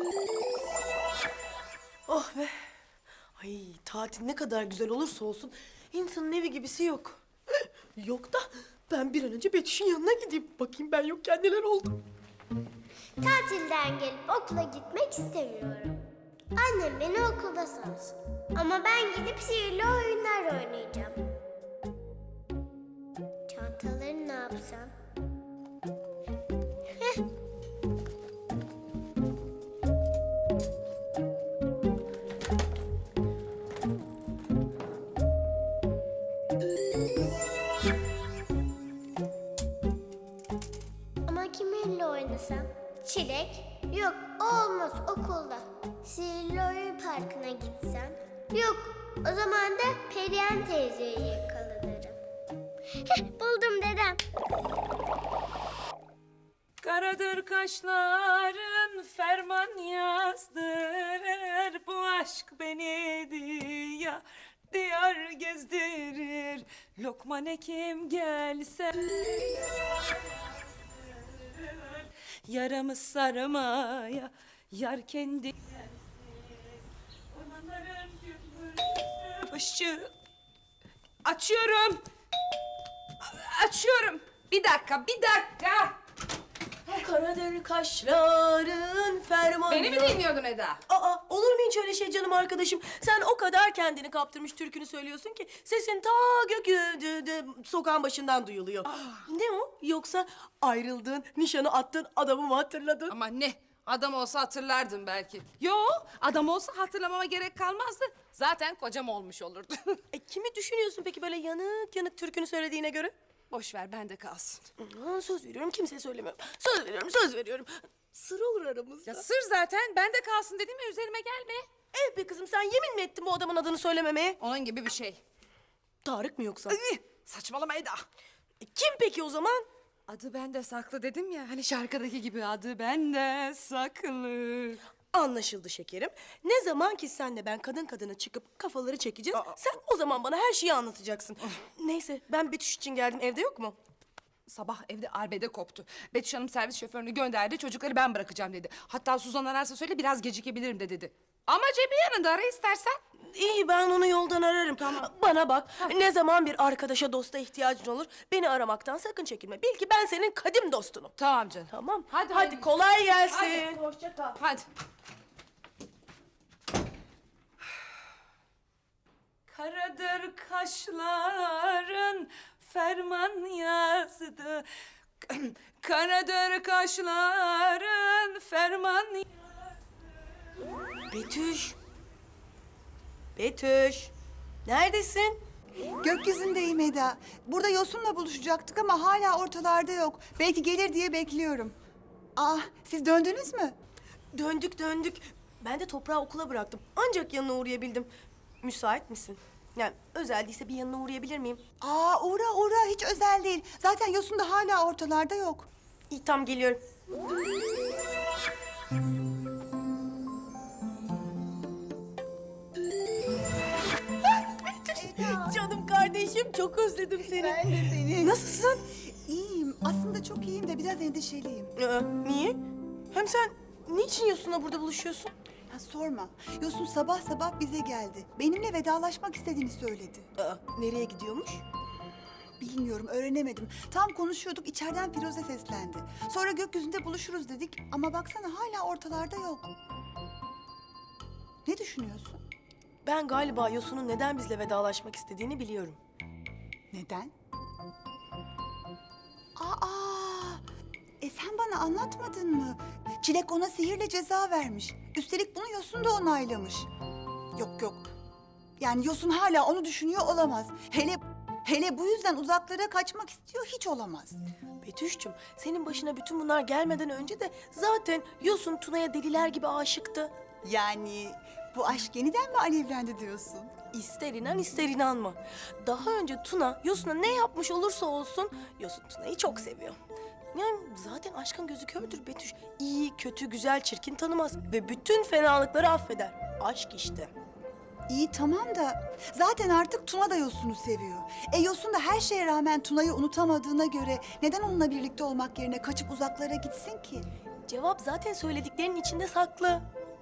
Oh be. Ay tatil ne kadar güzel olursa olsun insanın evi gibisi yok. Yok da ben bir an önce Betüş'ün yanına gideyim. Bakayım ben yokken neler oldu. Tatilden gelip okula gitmek istemiyorum. Annem beni okulda salsın. Ama ben gidip sihirli oyunlar oynayacağım. Çantaları ne yapsam? Heh. Ama kiminle oynasam? Çilek? Yok, o olmaz okulda. Sihirli oyun parkına gitsem? Yok, o zaman da Perihan teyzeyi yakalanırım. Heh, buldum dedem. Karadır kaşların ferman yazdırır. Bu aşk beni diyar diyar gezdirir. Lokman Hekim gelse yaramı sarmaya yar kendi gelsin. Ormanların gümbürtü ışığı. Açıyorum. Açıyorum. Bir dakika. Karadır kaşların ferman... Beni mi dinliyordun Eda? Aa, olur mu hiç öyle şey canım arkadaşım? Sen o kadar kendini kaptırmış türkünü söylüyorsun ki sesin ta sokağın başından duyuluyor. Ne o? Yoksa ayrıldığın, nişanı attığın adamı mı hatırladın? Ama ne? Adam olsa hatırlardım belki. Yo, adam olsa hatırlamama gerek kalmazdı. Zaten kocam olmuş olurdu. Kimi düşünüyorsun peki böyle yanık yanık türkünü söylediğine göre? Boş ver, bende kalsın. Söz veriyorum kimseye söylemiyorum. Söz veriyorum. Sır olur aramızda. Ya sır zaten, bende kalsın dedim ya, üzerime gelme. Evet be kızım sen yemin mi ettin bu adamın adını söylememeye? Onun gibi bir şey. Tarık mı yoksa? Saçmalama Eda. Kim peki o zaman? Adı bende saklı dedim ya, hani şarkıdaki gibi adı bende saklı. Anlaşıldı şekerim. Ne zaman ki senle ben kadın kadına çıkıp kafaları çekeceğiz... sen o zaman bana her şeyi anlatacaksın. Neyse ben Betüş için geldim. Evde yok mu? Sabah evde arbede koptu. Betüş Hanım servis şoförünü gönderdi, çocukları ben bırakacağım dedi. Hatta Suzan ararsa söyle biraz gecikebilirim de dedi. Ama cebi yanında, ara istersen. İyi ben onu yoldan ararım. Bana bak ne zaman bir arkadaşa dosta ihtiyacın olur... beni aramaktan sakın çekinme. Bil ki ben senin kadim dostunum. Tamam canım. Tamam. Hadi. kolay gelsin. Hadi. Hoşça kal. Hadi. Karadır kaşların ferman yazdı. Karadır kaşların ferman yazdı. Betüş. Betüş. Neredesin? Gökyüzündeyim Eda. Burada Yosun'la buluşacaktık ama hala ortalarda yok. Belki gelir diye bekliyorum. Siz döndünüz mü? Döndük. Ben de toprağı okula bıraktım. Ancak yanına uğrayabildim. Müsait misin? Yani özel değilse bir yanına uğrayabilir miyim? Uğra. Hiç özel değil. Zaten Yosun da hala ortalarda yok. İyi tam geliyorum. Canım kardeşim çok özledim seni. Ben de seni. Nasılsın? İyiyim. Aslında çok iyiyim de biraz endişeliyim. Niye? Hem sen niçin Yosun'la burada buluşuyorsun? Sorma. Yosun sabah sabah bize geldi. Benimle vedalaşmak istediğini söyledi. Nereye gidiyormuş? Bilmiyorum, öğrenemedim. Tam konuşuyorduk, içeriden Firuze seslendi. Sonra gökyüzünde buluşuruz dedik ama baksana hala ortalarda yok. Ne düşünüyorsun? Ben galiba Yosun'un neden bizle vedalaşmak istediğini biliyorum. Neden? Sen bana anlatmadın mı? Çilek ona sihirle ceza vermiş. Üstelik bunu Yosun da onaylamış. Yok. Yani Yosun hala onu düşünüyor olamaz. Hele bu yüzden uzaklara kaçmak istiyor, hiç olamaz. Betüş'cüm senin başına bütün bunlar gelmeden önce de zaten Yosun Tuna'ya deliler gibi aşıktı. Yani bu aşk yeniden mi alevlendi diyorsun? İster inan ister inanma. Daha önce Tuna Yosun'a ne yapmış olursa olsun Yosun Tuna'yı çok seviyor. Yani zaten aşkın gözü kördür Betüş. İyi, kötü, güzel, çirkin tanımaz ve bütün fenalıkları affeder. Aşk işte. İyi tamam da zaten artık Tuna da Yosun'u seviyor. Yosun da her şeye rağmen Tuna'yı unutamadığına göre neden onunla birlikte olmak yerine kaçıp uzaklara gitsin ki? Cevap zaten söylediklerinin içinde saklı.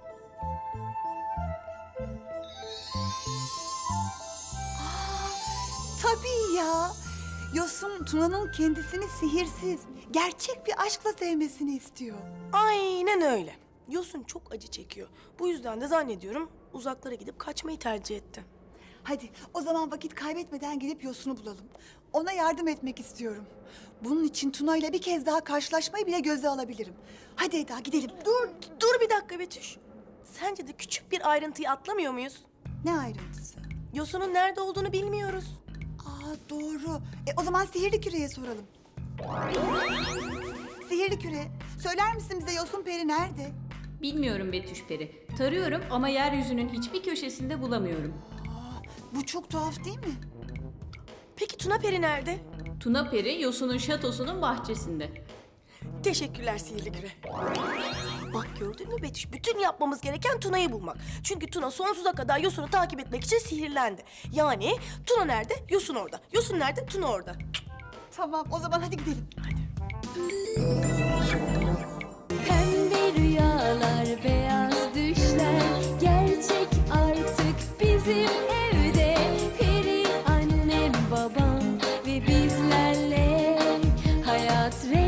Tabii ya. Yosun Tuna'nın kendisini sihirsiz, gerçek bir aşkla sevmesini istiyor. Aynen öyle. Yosun çok acı çekiyor. Bu yüzden de zannediyorum uzaklara gidip kaçmayı tercih etti. Hadi o zaman vakit kaybetmeden gidip Yosun'u bulalım. Ona yardım etmek istiyorum. Bunun için Tuna ile bir kez daha karşılaşmayı bile göze alabilirim. Hadi Eda gidelim. Dur bir dakika Betüş. Sence de küçük bir ayrıntıyı atlamıyor muyuz? Ne ayrıntısı? Yosun'un nerede olduğunu bilmiyoruz. Aa doğru. O zaman sihirli küreye soralım. Sihirli küre, söyler misin bize Yosun Peri nerede? Bilmiyorum Betüş Peri. Tarıyorum ama yeryüzünün hiçbir köşesinde bulamıyorum. Bu çok tuhaf değil mi? Peki Tuna Peri nerede? Tuna Peri Yosun'un şatosunun bahçesinde. Teşekkürler sihirli küre. Bak gördün mü Betüş? Bütün yapmamız gereken Tuna'yı bulmak. Çünkü Tuna sonsuza kadar Yosun'u takip etmek için sihirlendi. Yani Tuna nerede? Yosun orada. Yosun nerede? Tuna orada. Tamam o zaman hadi gidelim. Pembe rüyalar, beyaz düşler gerçek artık bizim evde. Peri annem, babam ve bizlerle hayat